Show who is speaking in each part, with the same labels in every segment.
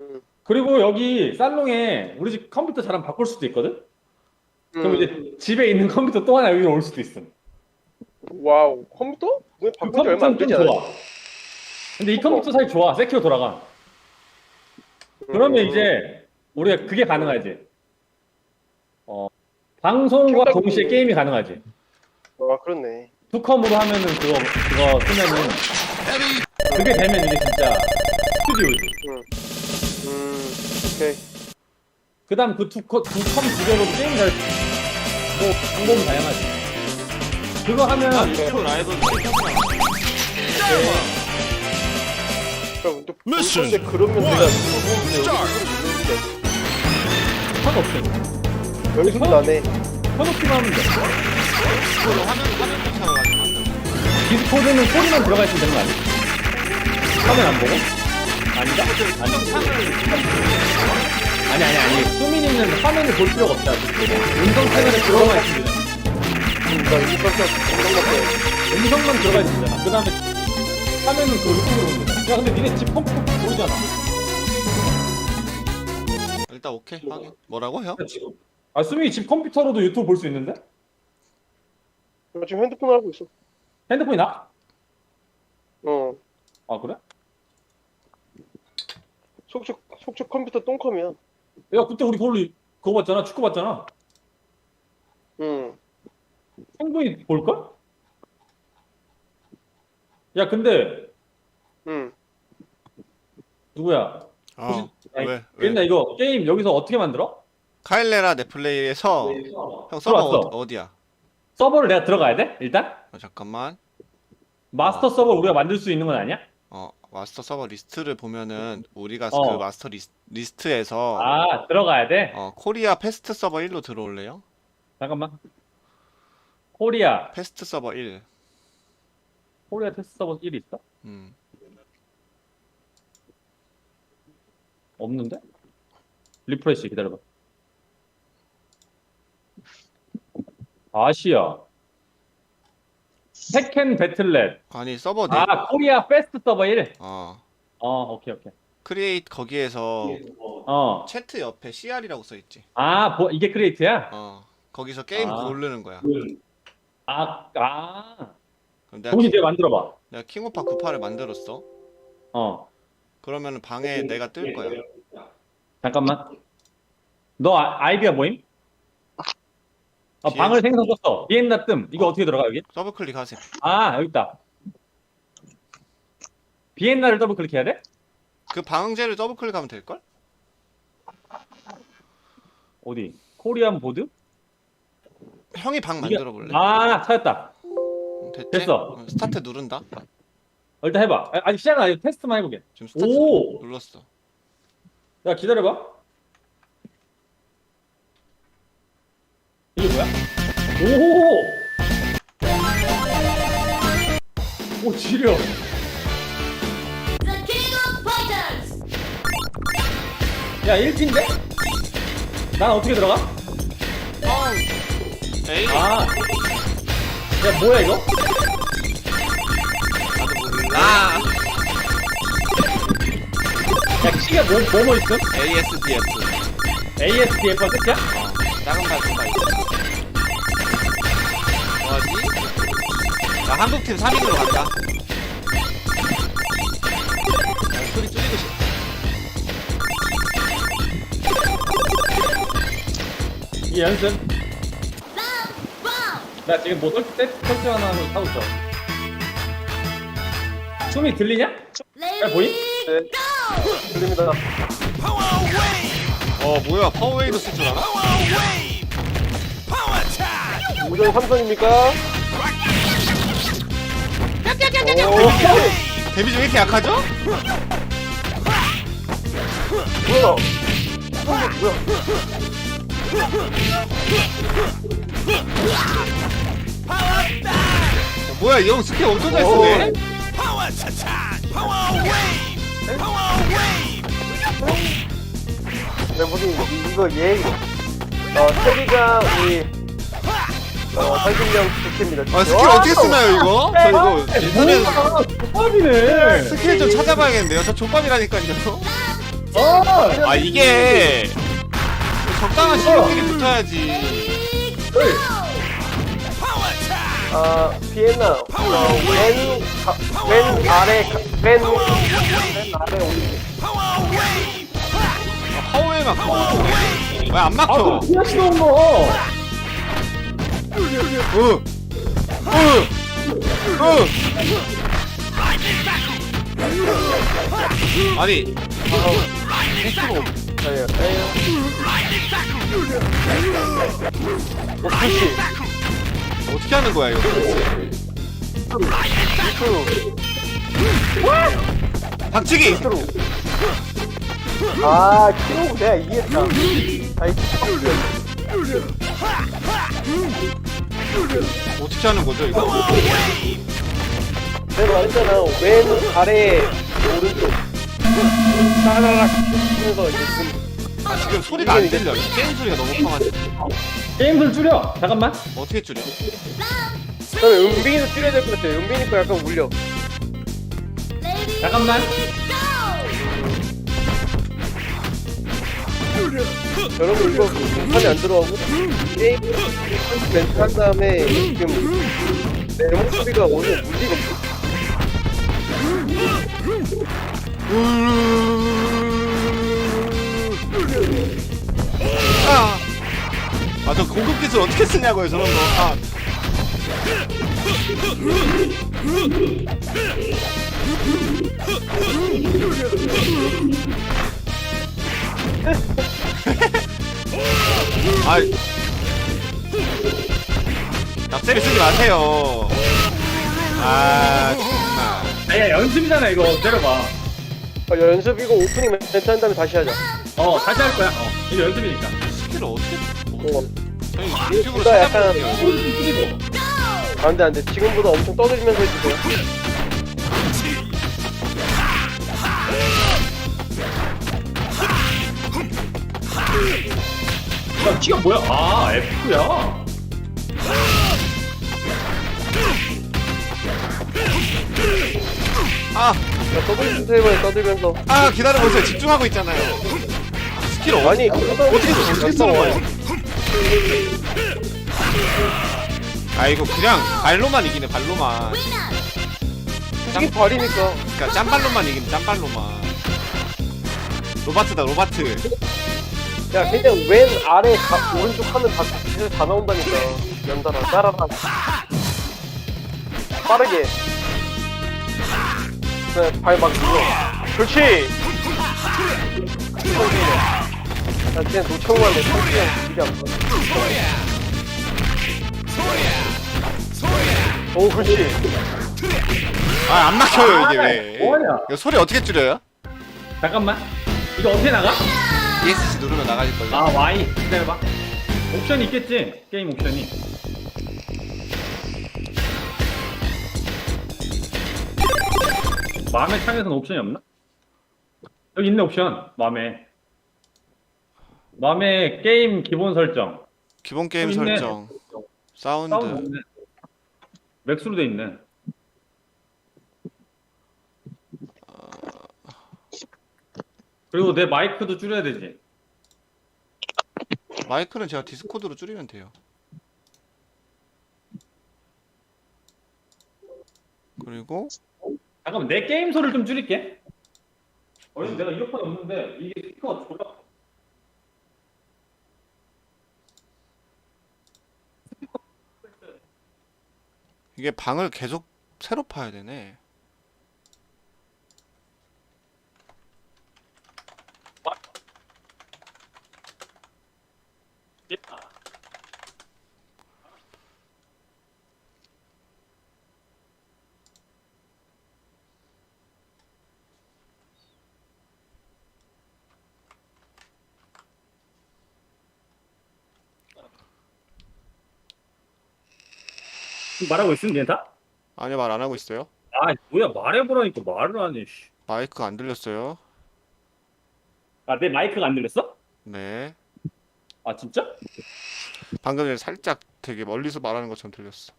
Speaker 1: 그리고 여기 살롱에 우리 집 컴퓨터 잘하면 바꿀 수도 있거든? 그럼 이제 집에 있는 컴퓨터 또 하나 여기로 올 수도 있어.
Speaker 2: 와우, 컴퓨터? 왜
Speaker 1: 그
Speaker 2: 바꾼 지 얼마 안
Speaker 1: 컴퓨터는 좀
Speaker 2: 되지 않아?
Speaker 1: 좋아. 근데 이 컴퓨터 사이 좋아. 세키로 돌아가. 그러면 이제 우리가 그게 가능하지. 방송과
Speaker 2: 켜다보고.
Speaker 1: 동시에 게임이 가능하지.
Speaker 2: 아, 그렇네.
Speaker 1: 투컴으로 하면은 그거 쓰면은 그게 되면 이게 진짜 스튜디오지.
Speaker 2: 오케이.
Speaker 1: 그다음 그 두 컴 두 개로 게임 잘 뭐 방법은 다양하지. 그거 하면
Speaker 3: 유튜브 라이브
Speaker 2: 그럼 또
Speaker 4: Mission
Speaker 2: 근데 그러면 내가
Speaker 1: 상관없어.
Speaker 2: 여기서 나네.
Speaker 1: 켜놓기만 하면 돼.
Speaker 3: 화면 쫓아가지고
Speaker 1: 디스코드는 소리만 들어가 있으면 되는 거 아니야? 화면 안 보고? 아닌가? 아니. 수민이는 화면을 볼 필요가 없잖아. 음성 채널에 들어가 있으면 되잖아.
Speaker 2: 나 이거 깜짝
Speaker 1: 음성만 들어가 있으면 되잖아. 그 다음에 화면은 그 음성으로 보면 되잖아. 야, 근데 니네 집 컴퓨터 보이잖아.
Speaker 3: 일단 오케이 확인. 뭐라고 형?
Speaker 1: 아, 수민이 집 컴퓨터로도 유튜브 볼 수 있는데?
Speaker 2: 나 지금 핸드폰 하고 있어.
Speaker 1: 핸드폰이 나?
Speaker 2: 어.
Speaker 1: 아, 그래?
Speaker 2: 속초 컴퓨터 똥컴이야.
Speaker 1: 야, 그때 우리 그거 봤잖아. 축구 봤잖아.
Speaker 2: 응.
Speaker 1: 충분히 볼걸? 야, 근데
Speaker 2: 응.
Speaker 1: 누구야?
Speaker 3: 왜?
Speaker 1: 옛날 이거 게임 여기서 어떻게 만들어?
Speaker 3: 카일레라 넷플레이에서 형 서버
Speaker 1: 들어왔어.
Speaker 3: 어디야?
Speaker 1: 서버를 내가 들어가야 돼? 일단?
Speaker 3: 잠깐만.
Speaker 1: 마스터 서버 우리가 만들 수 있는 건 아니야?
Speaker 3: 마스터 서버 리스트를 보면은 우리가
Speaker 1: 어.
Speaker 3: 그 마스터 리스트에서
Speaker 1: 아, 들어가야 돼?
Speaker 3: 코리아 패스트 서버 1로 들어올래요?
Speaker 1: 잠깐만. 코리아
Speaker 3: 패스트 서버 1.
Speaker 1: 테스트 서버 1이 있어? 없는데? 리프레시 기다려봐. 아시아 테켄 배틀넷.
Speaker 3: 아니 서버 네.
Speaker 1: 아, 코리아 패스트 서버 1.
Speaker 3: 어.
Speaker 1: 오케이.
Speaker 3: 크리에이트 거기에서 채트 옆에 CR이라고 써 있지.
Speaker 1: 이게 크리에이트야?
Speaker 3: 거기서 게임
Speaker 1: 아.
Speaker 3: 고르는 거야. 그럼
Speaker 1: 동시 내가 만들어봐.
Speaker 3: 내가 킹오파 98을 만들었어. 그러면은 방에 내가 뜰 거야.
Speaker 1: 잠깐만. 너 아이디어 뭐임? 방을 생성했어. 비엔나 뜸. 이거 어떻게 들어가 여기?
Speaker 3: 더블 클릭하세요.
Speaker 1: 여기 있다. 비엔나를 더블 클릭해야 돼?
Speaker 3: 그 방제를 더블 클릭하면 될 걸?
Speaker 1: 어디? 코리안 보드?
Speaker 3: 형이 방
Speaker 1: 이게-
Speaker 3: 만들어 볼래?
Speaker 1: 찾았다.
Speaker 3: 됐지?
Speaker 1: 됐어.
Speaker 3: 스타트 누른다.
Speaker 1: 일단 해봐. 아직 시작은 아니고 테스트만 해보게.
Speaker 3: 지금 스타트
Speaker 1: 오!
Speaker 3: 눌렀어.
Speaker 1: 야, 기다려봐. 이게 뭐야? 오, 지려.
Speaker 5: The King of Fighters!
Speaker 1: 야, 1팀인데? 난 어떻게 들어가?
Speaker 3: 에이.
Speaker 1: 야, 뭐야, 이거?
Speaker 3: 아.
Speaker 1: 야, 키가 뭐 있음?
Speaker 3: ASDF.
Speaker 1: ASDF가 끝이야?
Speaker 3: 작은 발톱가 있어. 뭐하지? 나 한국팀 3인으로 간다. 소리 줄이고 싶어.
Speaker 1: 이 연습.
Speaker 5: Wow!
Speaker 1: 나 지금 뭐 설정 하나 하고 있어. 숨이 들리냐?
Speaker 5: Ladies,
Speaker 1: 보임?
Speaker 2: 네.
Speaker 5: go!
Speaker 2: 들립니다.
Speaker 3: 뭐야? 파워웨이도 쓸 줄 알아?
Speaker 2: 우정 삼성입니까?
Speaker 3: 데미지 왜 이렇게 약하죠?
Speaker 2: 뭐야?
Speaker 3: 뭐야? 이 형 스킬 엄청 잘 쓰네?
Speaker 2: 네, 무슨 이거 테리가 우리 설진령 스킬입니다.
Speaker 3: 스킬 어떻게 쓰나요 이거? 저 이거 인터넷
Speaker 1: 족밥이네.
Speaker 3: 스킬 좀 찾아봐야겠는데요? 저 족밥이라니까요. 아 이게 적당한 실력끼리 붙어야지.
Speaker 2: 비엔나. 왼 아래 올리기.
Speaker 3: 파워에 막혀. 왜 안 막혀?
Speaker 1: 피아시 넣은 거.
Speaker 3: 아니
Speaker 2: 푸시.
Speaker 3: 어떻게 하는 거야 이거? 박치기.
Speaker 2: 키로 내가 이겼다.
Speaker 3: 어떻게 하는 거죠 이거?
Speaker 2: 내가 말했잖아. 왼 아래 오른쪽. 따라락 하면서 이제
Speaker 3: 지금 소리가 안 들려. 게임 소리가 너무 커가지고.
Speaker 1: 게임을 줄여. 잠깐만.
Speaker 3: 어떻게 줄여?
Speaker 2: 그다음에 은빈이도 줄여야 될 것 같아. 은빈이 거 약간 울려.
Speaker 1: 잠깐만.
Speaker 2: 여러분 이거 판이 안 들어가고 게임 멘트 한 다음에 지금 내 목소리가 오늘 물리가 없어.
Speaker 3: 저 고급 기술 어떻게 쓰냐고요 저런 거. 납세를 쓰지 마세요. 정말.
Speaker 1: 아니야 연습이잖아 이거. 때려봐.
Speaker 2: 연습이고 오프닝 멘트 한 다음에 다시 하자.
Speaker 1: 다시 할 거야. 이거 연습이니까.
Speaker 3: 스킬을 어떻게? 저희
Speaker 2: 이거
Speaker 3: 유튜브로
Speaker 2: 둘다 약간
Speaker 3: 찾아볼게요.
Speaker 2: 안돼 지금보다 엄청 떠들면서 해주세요.
Speaker 1: 야, 키가 뭐야? F야.
Speaker 2: 야 떠들면서 해봐요. 떠들면서.
Speaker 3: 기다려보세요. 집중하고 있잖아요. 스킬
Speaker 2: 아니
Speaker 3: 어떻게 쓰는 거예요? 이거 그냥 발로만 이기네. 발로만.
Speaker 2: 이게 발이니까.
Speaker 3: 그러니까 짬발로만 이기네. 짬발로만. 로바트다 로바트.
Speaker 2: 야 그냥 왼 아래 오른쪽 하면 다 기술 다 나온다니까. 연달아 따라라. 빠르게. 발막 눌러. 그렇지. 나 그냥 노청만 내 성기랑 길이 안 봐. 오 그렇지.
Speaker 3: 안 막혀요 이게 왜?
Speaker 1: 뭐하냐?
Speaker 3: 이거 소리 어떻게 줄여요?
Speaker 1: 잠깐만. 이거 어떻게 나가?
Speaker 3: ESC 누르면 나가질걸요?
Speaker 1: Y. 기다려봐. 옵션이 있겠지? 게임 옵션이. 맘의 창에서는 옵션이 없나? 여기 있네 옵션. 맘의 게임 기본 설정.
Speaker 3: 기본 게임
Speaker 1: 있네.
Speaker 3: 설정 사운드
Speaker 1: 사운드 있네. 맥스로 돼 있네. 그리고 내 마이크도 줄여야 되지.
Speaker 3: 마이크는 제가 디스코드로 줄이면 돼요. 그리고
Speaker 1: 잠깐만 내 게임 소리를 좀 줄일게. 어디서 내가 이어폰이 없는데 이게 스피커가 졸라.
Speaker 3: 이게 방을 계속 새로 파야 되네.
Speaker 1: 말하고 있으면 괜찮다?
Speaker 3: 아니요, 말 안 하고 있어요.
Speaker 1: 뭐야 말해보라니까 말을 안 해. 씨.
Speaker 3: 마이크 안 들렸어요.
Speaker 1: 내 마이크가 안 들렸어?
Speaker 3: 네.
Speaker 1: 진짜?
Speaker 3: 방금 전에 살짝 되게 멀리서 말하는 것처럼 들렸어.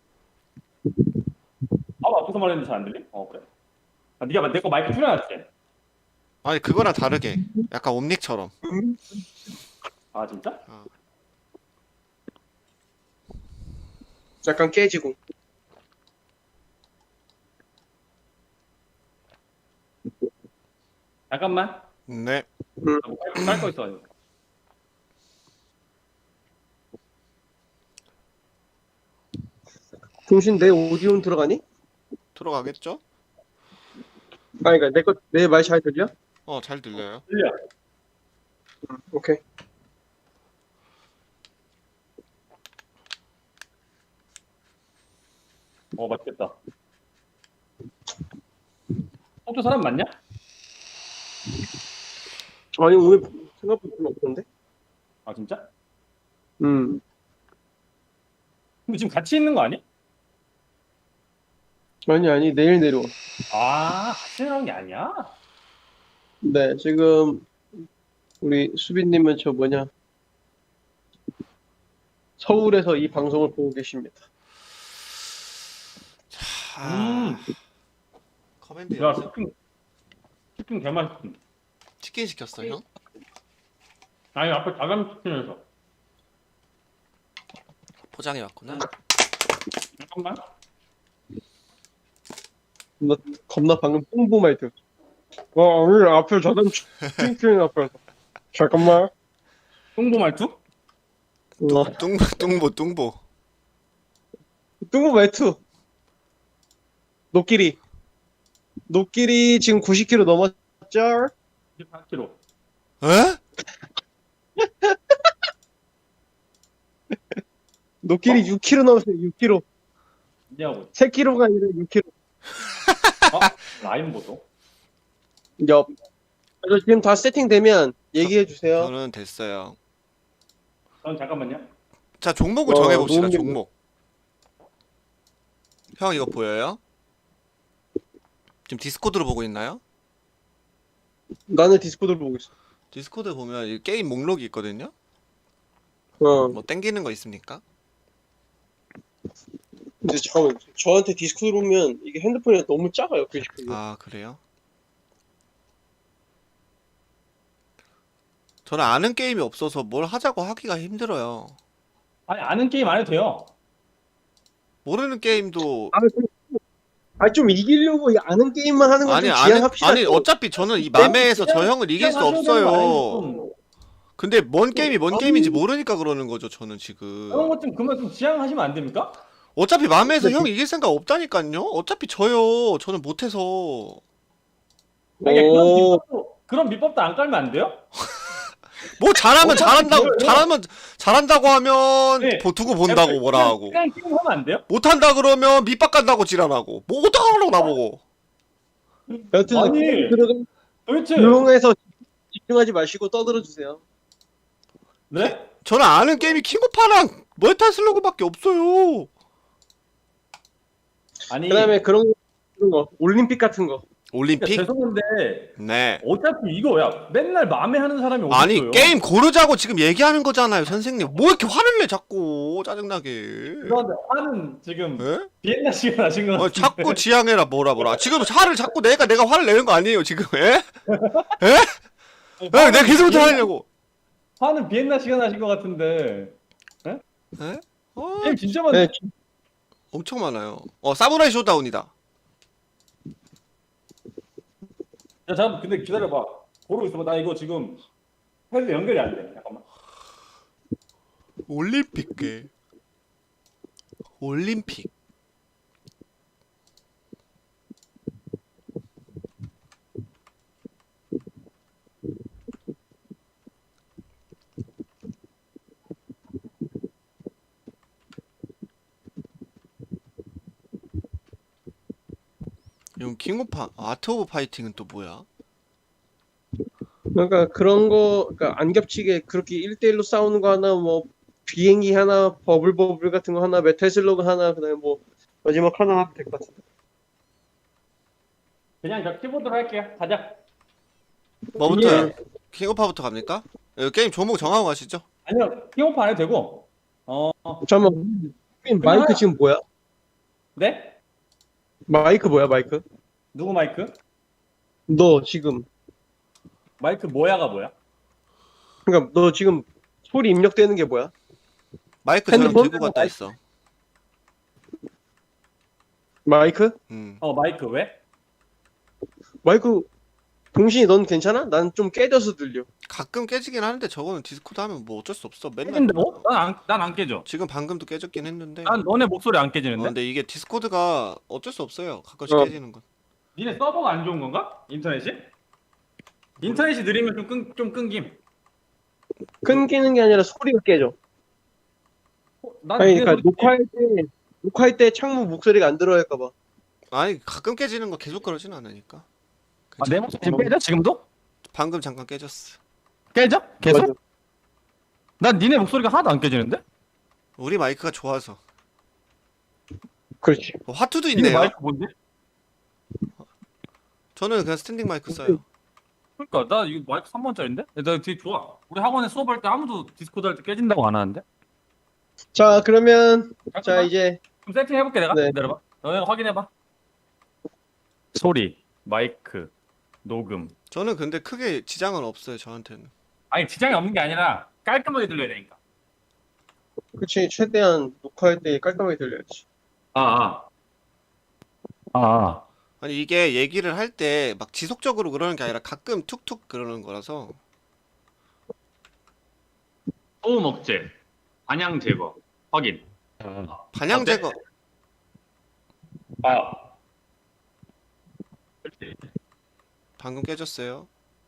Speaker 1: 앞에서 말했는데 잘 안 들리? 그래. 네가 내 거 마이크 줄여놨지?
Speaker 3: 아니 그거랑 다르게 약간 옴닉처럼.
Speaker 1: 아 진짜?
Speaker 2: 약간 깨지고.
Speaker 1: 잠깐만.
Speaker 3: 네.
Speaker 1: 깔거 있어.
Speaker 2: 동신 내 오디오는 들어가니?
Speaker 3: 들어가겠죠?
Speaker 2: 아니 그러니까 내 말 잘 들려?
Speaker 3: 잘 들려요.
Speaker 1: 들려.
Speaker 2: 오케이.
Speaker 1: 맛있겠다. 호주 사람 맞냐?
Speaker 2: 아니 오늘 생각보다 별로 없던데?
Speaker 1: 아 진짜?
Speaker 2: 음.
Speaker 1: 근데 지금 같이 있는 거 아니야?
Speaker 2: 아니 내일 내려와.
Speaker 1: 아 같이 나온 게 아니야?
Speaker 2: 네 지금 우리 수빈님은 저 뭐냐 서울에서 이 방송을 보고 계십니다.
Speaker 3: 커맨드
Speaker 1: 야
Speaker 3: 연습.
Speaker 1: 치킨 개 맛있음.
Speaker 3: 치킨 시켰어 형?
Speaker 1: 아니 앞에 다감 치킨에서.
Speaker 3: 포장해 왔구나.
Speaker 1: 잠깐만.
Speaker 2: 겁나 방금 뽕보 말투. 오늘 앞에 저담 치킨 앞에서. 잠깐만.
Speaker 1: 똥보 말투?
Speaker 3: 뚱보.
Speaker 2: 뽕보 말투. 녹길이 지금 90km 넘었죠?
Speaker 1: 24kg.
Speaker 3: 에?
Speaker 2: 녹길이 6km 넘었어요. 6km.
Speaker 1: 뭐냐고.
Speaker 2: 3km가 아니라 6km.
Speaker 1: 라인 보소.
Speaker 2: 옆. 그래서 지금 다 세팅되면 얘기해 주세요.
Speaker 3: 저는 됐어요.
Speaker 1: 잠깐만요.
Speaker 3: 자 종목을
Speaker 2: 와,
Speaker 3: 정해봅시다.
Speaker 2: 너무
Speaker 3: 종목. 형 이거 보여요? 지금 디스코드로 보고 있나요?
Speaker 2: 나는 디스코드를 보고 있어.
Speaker 3: 디스코드 보면 이 게임 목록이 있거든요. 뭐 땡기는 거 있습니까?
Speaker 2: 근데 잠깐만, 저한테 디스코드 보면 이게 핸드폰이 너무 작아요, 디스코드.
Speaker 3: 아 그래요? 저는 아는 게임이 없어서 뭘 하자고 하기가 힘들어요.
Speaker 1: 아니 아는 게임 안 해도 돼요.
Speaker 3: 모르는 게임도
Speaker 2: 좀 이기려고 이 아는 게임만 하는 건 좀 지양합시다.
Speaker 3: 아니 어차피 저는 이 맘에에서 저 형을 이길 수 없어요.
Speaker 1: 좀.
Speaker 3: 근데 뭔 게임이 뭔 게임인지 모르니까 그러는 거죠. 저는 지금
Speaker 1: 그런 것 좀 그만 좀 지양하시면 안 됩니까?
Speaker 3: 어차피 맘에서 형 이길 생각 없다니까요. 어차피 저요. 저는 못해서.
Speaker 1: 아니,
Speaker 2: 오.
Speaker 1: 그런 밑밥도 안 깔면 안 돼요?
Speaker 3: 뭐 잘하면 잘한다고 잘한다고 하면
Speaker 1: 네.
Speaker 3: 두고 본다고 뭐라 하고
Speaker 1: 그냥 게임 하면 안 돼요?
Speaker 3: 못한다 그러면 밑밥 간다고 지랄하고 뭐 어떡하려고 나보고.
Speaker 2: 여튼
Speaker 1: 아니.
Speaker 2: 들어가
Speaker 1: 도대체
Speaker 2: 조용해서 집중하지 마시고 떠들어 주세요.
Speaker 1: 네?
Speaker 3: 저는 아는 게임이 킹오파랑 멀티슬로그밖에 없어요.
Speaker 1: 아니
Speaker 2: 그다음에 그런 거 올림픽 같은 거.
Speaker 3: 올림픽?
Speaker 1: 죄송한데
Speaker 3: 네.
Speaker 1: 어차피 이거야 맨날 마음에 하는 사람이 어딨어요?
Speaker 3: 아니 게임 고르자고 지금 얘기하는 거잖아요 선생님. 뭐 이렇게 화를 내 자꾸 짜증나게.
Speaker 1: 그런데 화는 지금
Speaker 3: 에?
Speaker 1: 비엔나 씨가 나신 것 같은데
Speaker 3: 자꾸 지향해라 뭐라 지금 화를 자꾸 내가 화를 내는 거 아니에요 지금. 에? 에? 내가 계속 하려고.
Speaker 1: 화는 비엔나 씨가 나신 것 같은데
Speaker 3: 에?
Speaker 1: 게임 진짜 많네.
Speaker 2: 네,
Speaker 3: 엄청 많아요. 사무라이 쇼다운이다.
Speaker 1: 야 잠깐 근데 기다려봐. 보고 있어봐. 나 이거 지금 패드 연결이 안 돼. 잠깐만.
Speaker 3: 올림픽. 이건 킹오파 아트 오브 파이팅은 또 뭐야?
Speaker 2: 그러니까 그런 거 그러니까 안 겹치게 그렇게 1대1로 싸우는 거 하나 뭐 비행기 하나 버블 같은 거 하나 메탈슬러그 하나 그다음에 뭐 마지막 하나 하면 될 것 같은데.
Speaker 1: 그냥 저 키보드로 할게요. 가자.
Speaker 3: 뭐부터요? 킹오파부터 갑니까? 게임 종목 정하고 가시죠.
Speaker 1: 아니요. 킹오프 안 해도 되고.
Speaker 2: 잠깐만. 마이크 지금 뭐야?
Speaker 1: 네?
Speaker 2: 마이크 뭐야 마이크?
Speaker 1: 누구 마이크?
Speaker 2: 너 지금
Speaker 1: 마이크 뭐야가 뭐야?
Speaker 2: 그러니까 너 지금 소리 입력되는 게 뭐야?
Speaker 3: 마이크처럼
Speaker 2: 핸드폰?
Speaker 3: 들고 갔다 있어.
Speaker 2: 마이크?
Speaker 1: 마이크 왜?
Speaker 2: 마이크 동신이 넌 괜찮아? 난 좀 깨져서 들려.
Speaker 3: 가끔 깨지긴 하는데 저거는 디스코드 하면 뭐 어쩔 수 없어. 맨날.
Speaker 1: 깨진다고? 난안 깨져.
Speaker 3: 지금 방금도 깨졌긴 했는데.
Speaker 1: 난 너네 목소리 안 깨지는데?
Speaker 3: 근데 이게 디스코드가 어쩔 수 없어요. 가끔씩
Speaker 2: 어.
Speaker 3: 깨지는 건.
Speaker 1: 니네 서버가 안 좋은 건가? 인터넷이? 인터넷이 느리면 좀 끊김.
Speaker 2: 끊기는 게 아니라 소리가 깨져.
Speaker 1: 난
Speaker 2: 아니
Speaker 1: 니네
Speaker 2: 그러니까
Speaker 1: 소리-
Speaker 2: 녹화할 때 창문 목소리가 안 들어갈까 봐.
Speaker 3: 아니 가끔 깨지는 거 계속 그러진 않으니까.
Speaker 1: 내 목소리 지금 깨져? 지금도?
Speaker 3: 방금 잠깐 깨졌어.
Speaker 1: 깨져? 계속?
Speaker 2: 맞아.
Speaker 1: 난 니네 목소리가 하나도 안 깨지는데?
Speaker 3: 우리 마이크가 좋아서.
Speaker 2: 그렇지.
Speaker 3: 화투도
Speaker 1: 니네
Speaker 3: 있네요.
Speaker 1: 마이크 뭔데?
Speaker 3: 저는 그냥 스탠딩 마이크 써요.
Speaker 1: 그러니까 나 이거 마이크 3번짜리인데? 나 되게 좋아. 우리 학원에 수업할 때 아무도 디스코드 할 때 깨진다고 안 하는데?
Speaker 2: 자 그러면 자
Speaker 1: 잠깐만.
Speaker 2: 이제
Speaker 1: 좀 세팅해볼게 내가.
Speaker 2: 네.
Speaker 1: 기다려봐. 너네가 확인해봐. 소리, 마이크, 녹음.
Speaker 3: 저는 근데 크게 지장은 없어요. 저한테는.
Speaker 1: 아니 지장이 없는 게 아니라 깔끔하게 들려야 되니까.
Speaker 2: 그렇지 최대한 녹화할 때 깔끔하게 들려야지.
Speaker 1: 아.
Speaker 3: 아니 이게 얘기를 할 때 막 지속적으로 그러는 게 아니라 가끔 툭툭 그러는 거라서.
Speaker 1: 소음 억제, 반향 제거, 확인.
Speaker 3: 반향
Speaker 1: 어때?
Speaker 3: 제거.
Speaker 1: 아.
Speaker 3: 방금 깨졌어요.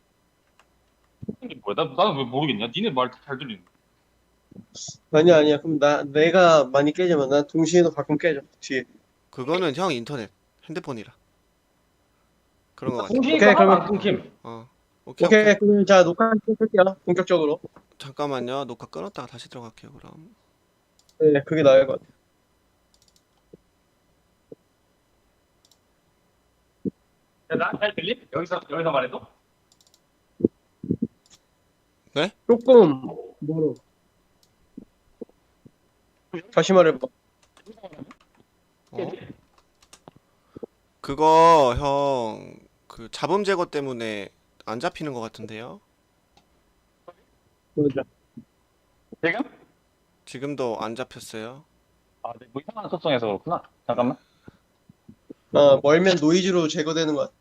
Speaker 1: 이게 뭐야? 나는 왜 모르겠냐? 니네 말 잘 들리는.
Speaker 2: 아니야 그럼 내가 많이 깨지면 난 동신이도 가끔 깨져 뒤에.
Speaker 3: 그거는 형 인터넷, 핸드폰이라. 그런 거 같아.
Speaker 1: 공신이
Speaker 2: 오케이,
Speaker 1: 하나도
Speaker 2: 그러면-
Speaker 1: 안 끊김.
Speaker 3: 오케이.
Speaker 2: 오케이 그럼 자 녹화 시작할게요 본격적으로.
Speaker 3: 잠깐만요. 녹화 끊었다가 다시 들어갈게요. 그럼.
Speaker 2: 네 그게 나을 것 같아.
Speaker 1: 나잘 들림? 여기서 말해도?
Speaker 2: 조금 멀어. 다시 말해봐.
Speaker 3: 어? 그거 형 그 잡음 제거 때문에 안 잡히는 것 같은데요?
Speaker 2: 맞아.
Speaker 1: 지금?
Speaker 3: 지금도 안 잡혔어요.
Speaker 1: 아, 네, 뭐 이상한 속성에서 그렇구나. 잠깐만.
Speaker 2: 멀면 노이즈로 제거되는 것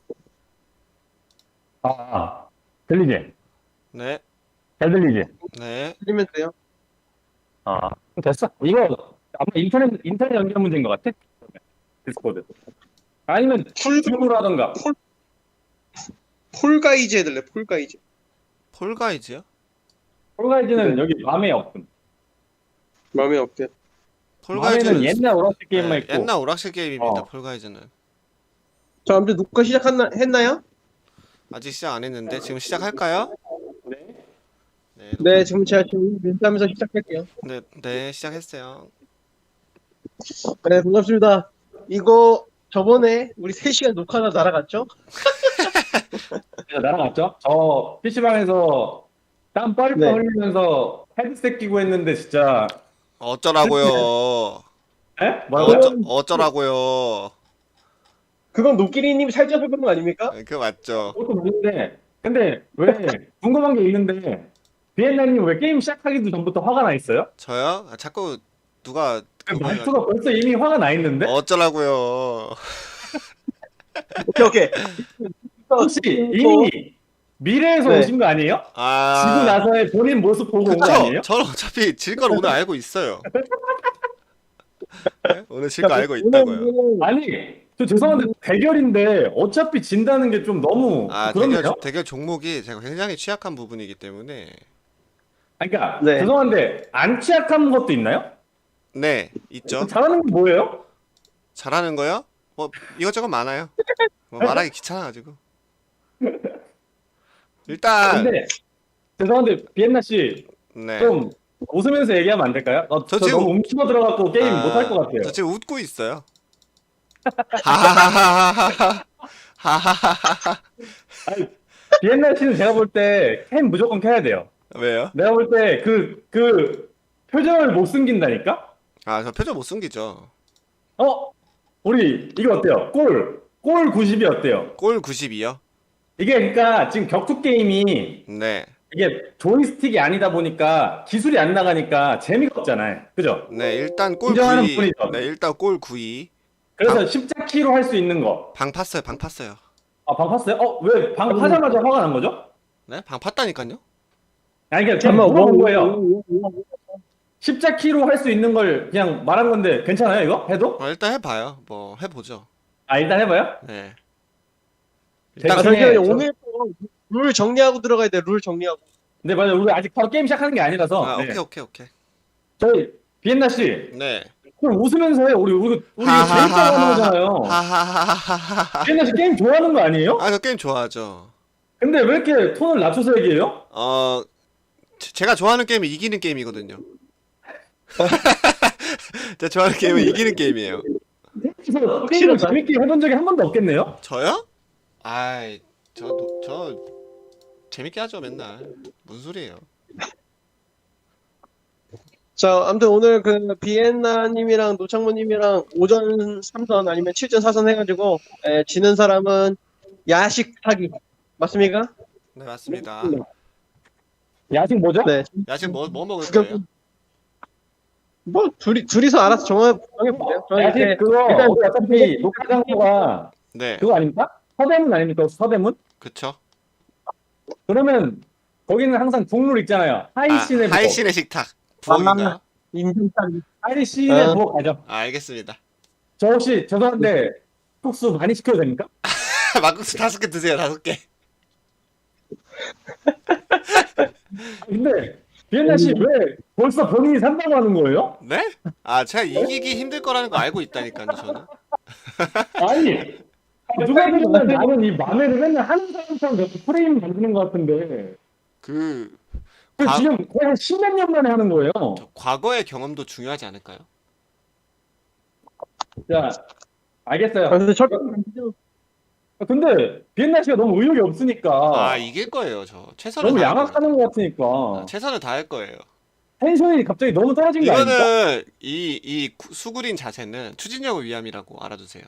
Speaker 2: 같아.
Speaker 1: 들리지?
Speaker 3: 네,
Speaker 1: 잘 들리지?
Speaker 3: 네.
Speaker 2: 틀리면 돼요.
Speaker 1: 됐어. 이거 아마 인터넷 연결 문제인 것 같아. 디스코드. 아니면 줌으로 하던가.
Speaker 2: 폴가이즈 해달래 폴가이즈.
Speaker 3: 폴가이즈요?
Speaker 1: 폴가이즈는 여기 맘에 없음.
Speaker 2: 마음에 없대.
Speaker 1: 맘에는 옛날 오락실 게임만
Speaker 3: 네,
Speaker 1: 있고.
Speaker 3: 옛날 오락실 게임입니다.
Speaker 1: 어.
Speaker 3: 폴가이즈는
Speaker 2: 자 아무튼 녹화 했나요?
Speaker 3: 아직 시작 안 했는데 지금 시작할까요?
Speaker 1: 네.
Speaker 3: 네,
Speaker 2: 네 지금 제가 지금 멘트하면서 시작할게요.
Speaker 3: 네, 시작했어요.
Speaker 2: 네 반갑습니다. 이거 저번에 우리 3시간 녹화가 날아갔죠?
Speaker 1: 날아갔죠? 저 PC방에서 땀 뻘뻘
Speaker 2: 네.
Speaker 1: 흘리면서 헤드셋 끼고 했는데 진짜.
Speaker 3: 어쩌라고요?
Speaker 1: 에? 뭐라고요?
Speaker 3: 어쩌라고요?
Speaker 2: 그건 노끼리님 살쪄서 그런 거 아닙니까?
Speaker 3: 네, 그거 맞죠?
Speaker 1: 그것도 맞는데 근데 왜 궁금한 게 있는데 비엔나님 왜 게임 시작하기도 전부터 화가 나 있어요?
Speaker 3: 저요? 자꾸 누가 그거
Speaker 1: 말투가 벌써 이미 화가 나 있는데?
Speaker 3: 어쩌라고요?
Speaker 2: 오케이.
Speaker 1: 혹시 이미 미래에서
Speaker 2: 네.
Speaker 1: 오신 거 아니에요? 지고
Speaker 3: 아,
Speaker 1: 나서의 본인 모습 보고 온 거
Speaker 3: 그쵸?
Speaker 1: 아니에요?
Speaker 3: 저는 어차피 질 걸 오늘 알고 있어요. 네? 오늘 질 거 알고 있다고요.
Speaker 1: 아니 저 죄송한데 대결인데 어차피 진다는 게 좀 너무
Speaker 3: 아,
Speaker 1: 그렇네요?
Speaker 3: 대결 종목이 제가 굉장히 취약한 부분이기 때문에.
Speaker 1: 아니, 그러니까
Speaker 2: 네.
Speaker 1: 죄송한데 안 취약한 것도 있나요?
Speaker 3: 네, 있죠.
Speaker 1: 잘하는 게 뭐예요?
Speaker 3: 잘하는 거요? 뭐 이것저것 많아요. 뭐 말하기 귀찮아가지고. 일단
Speaker 1: 근데 죄송한데 비엔나 씨
Speaker 3: 네.
Speaker 1: 좀 웃으면서 얘기하면 안 될까요?
Speaker 3: 저
Speaker 1: 저
Speaker 3: 지금-
Speaker 1: 너무 움츠러 들어갖고 게임
Speaker 3: 아,
Speaker 1: 못 할 것 같아요.
Speaker 3: 저 지금 웃고 있어요. 하하하하하. 하하하하.
Speaker 1: 아니, 비엔나 씨는 제가 볼 때 캠 무조건 켜야 돼요.
Speaker 3: 왜요?
Speaker 1: 내가 볼 때 그 표정을 못 숨긴다니까?
Speaker 3: 아, 저 표정 못 숨기죠.
Speaker 1: 우리 이거 어때요? 골 90이 어때요?
Speaker 3: 골 92요?
Speaker 1: 이게 그러니까 지금 격투 게임이
Speaker 3: 네.
Speaker 1: 이게 조이스틱이 아니다 보니까 기술이 안 나가니까 재미가 없잖아요. 그죠?
Speaker 3: 네, 일단 골
Speaker 1: 인정하는
Speaker 3: 9위.
Speaker 1: 부분이죠.
Speaker 3: 네, 일단 골 9위.
Speaker 1: 그래서 십자키로 할 수 있는 거.
Speaker 3: 방 팠어요. 방 팠어요.
Speaker 1: 아, 방 팠어요? 왜 방 파자마자 화가 난 거죠?
Speaker 3: 네? 방 팠다니까요?
Speaker 1: 아니, 그냥
Speaker 2: 잠깐만,
Speaker 1: 물어본 거예요. 십자키로 할 수 있는 걸 그냥 말한 건데 괜찮아요, 이거? 해도?
Speaker 3: 일단 해봐요. 뭐 해보죠.
Speaker 1: 아, 일단 해봐요.
Speaker 3: 네.
Speaker 1: 일단
Speaker 2: 아,
Speaker 1: 그냥
Speaker 2: 잠시만요.
Speaker 1: 저-
Speaker 2: 오늘 룰 정리하고 들어가야 돼. 룰 정리하고.
Speaker 1: 네, 맞아요. 우리 아직 바로 게임 시작하는 게 아니라서.
Speaker 3: 아,
Speaker 1: 네.
Speaker 3: 오케이.
Speaker 1: 저희 비엔나 씨,
Speaker 3: 네.
Speaker 1: 그럼 웃으면서 해요. 우리 재밌다고 하는 거잖아요.
Speaker 3: 하하하하하하.
Speaker 1: 비엔나 씨 게임 좋아하는 거 아니에요?
Speaker 3: 저 게임 좋아하죠.
Speaker 1: 근데 왜 이렇게 톤을 낮춰서 얘기해요?
Speaker 3: 제가 좋아하는 게임은 이기는 게임이거든요. 제가 좋아하는 게임은 이기는 게임이에요.
Speaker 1: 그래서 게임을 재밌게 해본 적이 한 번도 없겠네요?
Speaker 3: 저요? 아이, 저 재밌게 하죠, 맨날. 무슨 소리예요?
Speaker 2: 자, 아무튼 오늘 그 비엔나님이랑 노창모님이랑 오전 3선 아니면 7전 4선 해가지고 지는 사람은 야식 사기 맞습니까?
Speaker 3: 네, 맞습니다.
Speaker 1: 야식 뭐죠?
Speaker 2: 네.
Speaker 3: 야식 뭐 먹을
Speaker 2: 구경-
Speaker 3: 거예요?
Speaker 2: 뭐 둘이서 알아서 정해보세요. 저는
Speaker 1: 야식
Speaker 2: 이렇게
Speaker 1: 그거
Speaker 2: 일단
Speaker 1: 우리 어차피 녹화 장소가
Speaker 3: 네,
Speaker 1: 그거 아닙니까? 서대문 아닙니까? 서대문?
Speaker 3: 그쵸.
Speaker 1: 그러면 거기는 항상 국룰 있잖아요. 하이신의 부엌.
Speaker 3: 하이신의 식탁. 부엌인가요?
Speaker 2: 인증사기.
Speaker 1: 하이신의
Speaker 2: 어.
Speaker 1: 부엌 가죠.
Speaker 3: 알겠습니다.
Speaker 1: 저 혹시 죄송한데 국수 많이 시켜도 됩니까?
Speaker 3: 막국수 5개 드세요, 5개.
Speaker 1: 근데 비엔나 씨 왜 벌써 본인이 산다고 하는 거예요?
Speaker 3: 네? 제가 이기기 힘들 거라는 거 알고 있다니까요, 저는.
Speaker 1: 아니 누가 그러면 나는 이 만회를 맨날 하는 사람처럼 계속 프레임 만드는 것 같은데
Speaker 3: 그
Speaker 1: 지금 거의 한 10몇 년 만에 하는 거예요.
Speaker 3: 과거의 경험도 중요하지 않을까요?
Speaker 1: 자, 알겠어요.
Speaker 2: 근데
Speaker 1: 근데 비엔나 씨가 너무 의욕이 없으니까
Speaker 3: 이길 거예요, 저. 최선을
Speaker 1: 너무
Speaker 3: 다할 거예요.
Speaker 1: 양악하는 것 같으니까
Speaker 3: 최선을 다할 거예요.
Speaker 1: 텐션이 갑자기 너무 떨어진 거 아닙니까?
Speaker 3: 이거는 이 수구린 자세는 추진력을 위함이라고 알아두세요.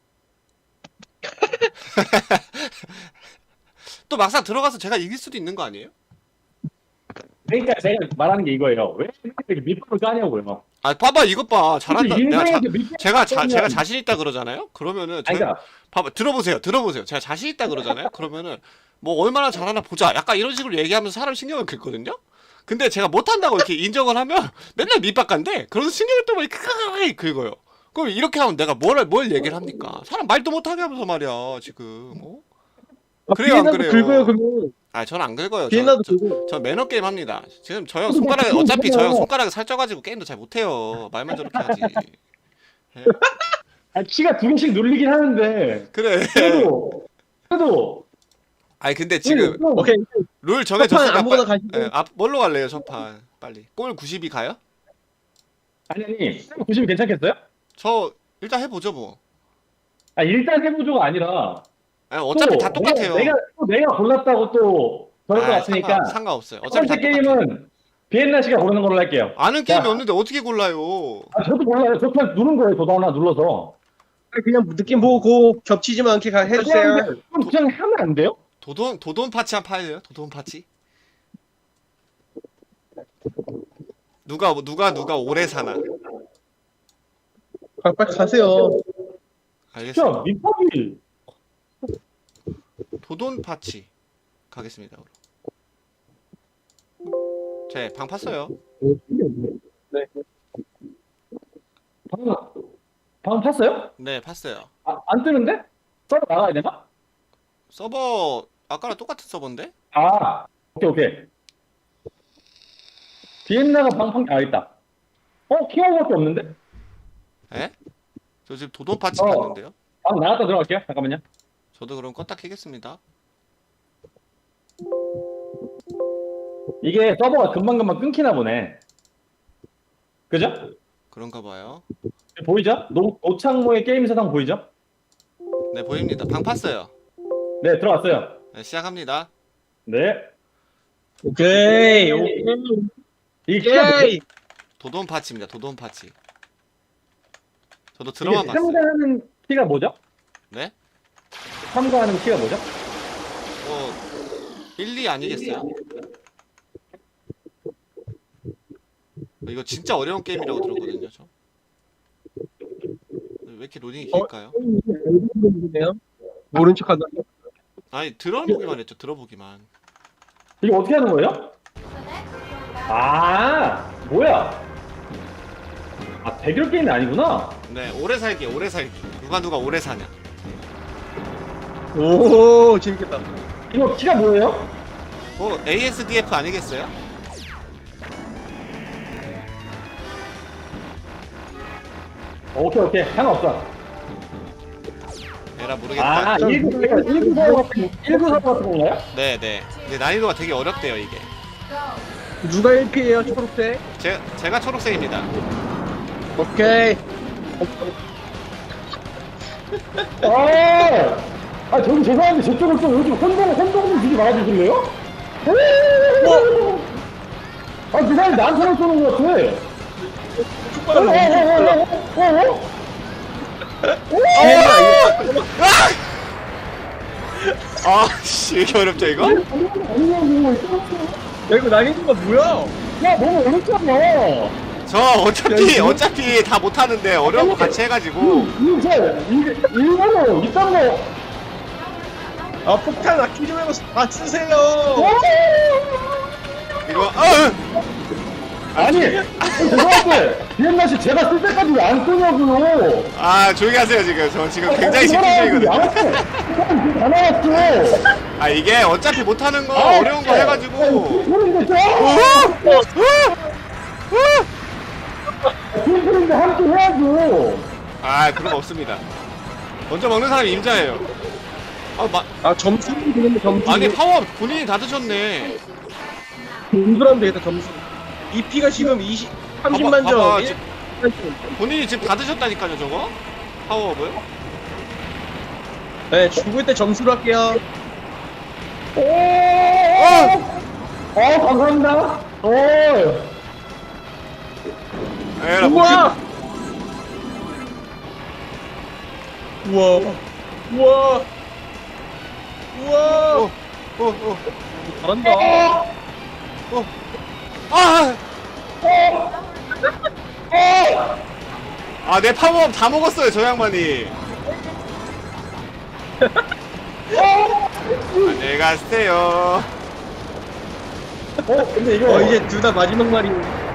Speaker 3: 또 막상 들어가서 제가 이길 수도 있는 거 아니에요?
Speaker 1: 그러니까 제가 말하는 게 이거예요. 왜 이렇게 밑밥을 까냐고요.
Speaker 3: 봐봐 이것 봐 잘한다.
Speaker 1: 인생에서 밑밥
Speaker 3: 제가 자신 있다 그러잖아요. 그러면은
Speaker 1: 아니,
Speaker 3: 제가
Speaker 1: 그러니까
Speaker 3: 봐봐 들어보세요. 제가 자신 있다 그러잖아요. 그러면은 뭐 얼마나 잘하나 보자. 약간 이런 식으로 얘기하면서 사람 신경을 긁거든요. 근데 제가 못한다고 이렇게 인정을 하면 맨날 밑바간데 그러면서 신경을 또 이렇게 긁어요. 그럼 이렇게 하면 내가 뭘 얘기를 합니까? 사람 말도 못하게 하면서 말이야 지금. 그래요 안 그래요?
Speaker 2: 긁어요 그러면.
Speaker 3: 저는 안 긁어요.
Speaker 2: 비엔나도 긁고.
Speaker 3: 저 매너 게임 합니다. 지금 저 형 손가락에 어차피 저 형 손가락에 살쪄가지고 게임도 잘 못해요. 말만 저렇게 하지. 예?
Speaker 1: 키가 2개씩 눌리긴 하는데
Speaker 3: 그래.
Speaker 1: 그래도
Speaker 3: 근데 지금
Speaker 2: 오케이.
Speaker 3: 룰
Speaker 2: 첫판
Speaker 3: 정해졌으니까
Speaker 2: 아무거나 가시고.
Speaker 3: 뭘로 갈래요 첫판 빨리. 골 90이 가요?
Speaker 1: 아니 90이 괜찮겠어요?
Speaker 3: 저 일단 해보죠 뭐.
Speaker 1: 일단 해보조가 아니라
Speaker 3: 어차피
Speaker 1: 또
Speaker 3: 다 똑같아요.
Speaker 1: 내가 골랐다고 또 저럴 것 같으니까
Speaker 3: 상관없어요.
Speaker 1: 첫
Speaker 3: 어차피 다
Speaker 1: 번째
Speaker 3: 똑같아요.
Speaker 1: 게임은 비엔나 씨가 고르는 걸로 할게요.
Speaker 3: 아는 게임이
Speaker 1: 자.
Speaker 3: 없는데 어떻게 골라요?
Speaker 1: 저도 몰라요. 저 그냥 누른 거예요. 저도 하나 눌러서.
Speaker 2: 그냥 느낌 보고 겹치지만 않게 해주세요.
Speaker 1: 그럼 그냥 하면 안 돼요?
Speaker 3: 도돈 파치 한 파일래요? 도돈 파치? 누가 오래 사나?
Speaker 2: 빨리 가세요.
Speaker 3: 알겠습니다.
Speaker 1: 진짜 밑밥이
Speaker 3: 도돈 파치 가겠습니다. 방 팠어요.
Speaker 2: 네.
Speaker 1: 방 팠어요?
Speaker 3: 네, 팠어요.
Speaker 1: 안 뜨는데? 서버 나가야 되나?
Speaker 3: 서버 아까랑 똑같은 서버인데?
Speaker 1: 오케이. 비엔나가 있다. 키워밖에 없는데?
Speaker 3: 에? 저 지금 도돈 파치
Speaker 1: 어.
Speaker 3: 갔는데요.
Speaker 1: 방 나갔다 들어갈게요. 잠깐만요.
Speaker 3: 저도 그럼 껐다 켜겠습니다.
Speaker 1: 이게 서버가 금방금방 끊기나 보네. 그죠?
Speaker 3: 그런가 봐요.
Speaker 1: 보이죠? 노창모의 게임 세상 보이죠?
Speaker 3: 네, 보입니다. 방 팠어요.
Speaker 1: 네, 들어왔어요.
Speaker 3: 네, 시작합니다.
Speaker 1: 네.
Speaker 2: 오케이.
Speaker 1: 이게 키가
Speaker 2: 오케이.
Speaker 3: 도돈 파치입니다. 도돈 파치. 저도
Speaker 1: 이게
Speaker 3: 들어만 봤어요.
Speaker 1: 참가하는 키가 뭐죠?
Speaker 3: 네?
Speaker 1: 참가하는 키가 뭐죠?
Speaker 3: 뭐 1, 2 아니겠어요? 이거 진짜 어려운 게임이라고 들었거든요, 저. 왜 이렇게 로딩이 길까요?
Speaker 2: 네요 모른 척하다.
Speaker 3: 아니 들어보기만 했죠, 들어보기만.
Speaker 1: 이게 어떻게 하는 거예요? 아, 뭐야? 아, 대결 게임이 아니구나?
Speaker 3: 네, 오래 살기, 오래 살기. 누가 오래 사냐.
Speaker 2: 오 재밌겠다.
Speaker 1: 이거 키가 뭐예요?
Speaker 3: 뭐 ASDF 아니겠어요?
Speaker 1: 오케이, 상관없어.
Speaker 3: 에라 모르겠다.
Speaker 1: 아, 194 같은 건가요?
Speaker 3: 네네. 근데 난이도가 되게 어렵대요, 이게.
Speaker 2: 누가 1피예요 초록색?
Speaker 3: 제가 초록색입니다.
Speaker 2: 오케이.
Speaker 1: 저기 죄송한데 저쪽을 좀 요즘 혼동 좀 주지 말아주실래요? 그 사람이 나한테만 쏘는 것 같아.
Speaker 3: 아, 씨, 왜 이렇게 어렵죠, 이거?
Speaker 2: 야 이거 난이도가 뭐야?
Speaker 1: 야, 너무 어렵잖아.
Speaker 3: 저 어차피 다 못하는데 어려운 거 같이 해가지고.
Speaker 1: 일본어 이딴 거.
Speaker 2: 아 폭탄 아끼 좀 해서 다 쓰세요.
Speaker 3: 이거,
Speaker 1: 아니, 죄송한데, 비엔나씨 제가 쓸 때까지 왜 안 쓰냐고요.
Speaker 3: 아, 조용히 하세요, 지금. 저 지금 굉장히 집중중이거든요.
Speaker 1: 다 나왔어.
Speaker 3: 아, 이게 어차피 못하는 거 어려운 거 해가지고.
Speaker 1: 팀플인데 함께 해야죠.
Speaker 3: 아, 그런 거 없습니다. 먼저 먹는 사람이 임자예요.
Speaker 2: 아 점수 되는데 점수.
Speaker 3: 아니, 파워 본인이 다 드셨네.
Speaker 2: 점수라면 되겠다 점수. 2피가 지금 30만
Speaker 3: 봐봐,
Speaker 2: 점.
Speaker 3: 본인이 지금 다 드셨다니까요, 저거? 파워업을?
Speaker 2: 네 죽을 때 점수로 할게요.
Speaker 1: 감사합니다.
Speaker 3: 에라,
Speaker 2: 우와. 우와. 우와. 우와. 잘한다.
Speaker 3: 내 파워업 다 먹었어요, 저 양반이. 안녕히 가세요.
Speaker 1: 근데 이거
Speaker 2: 이제 둘 다 마지막 말이.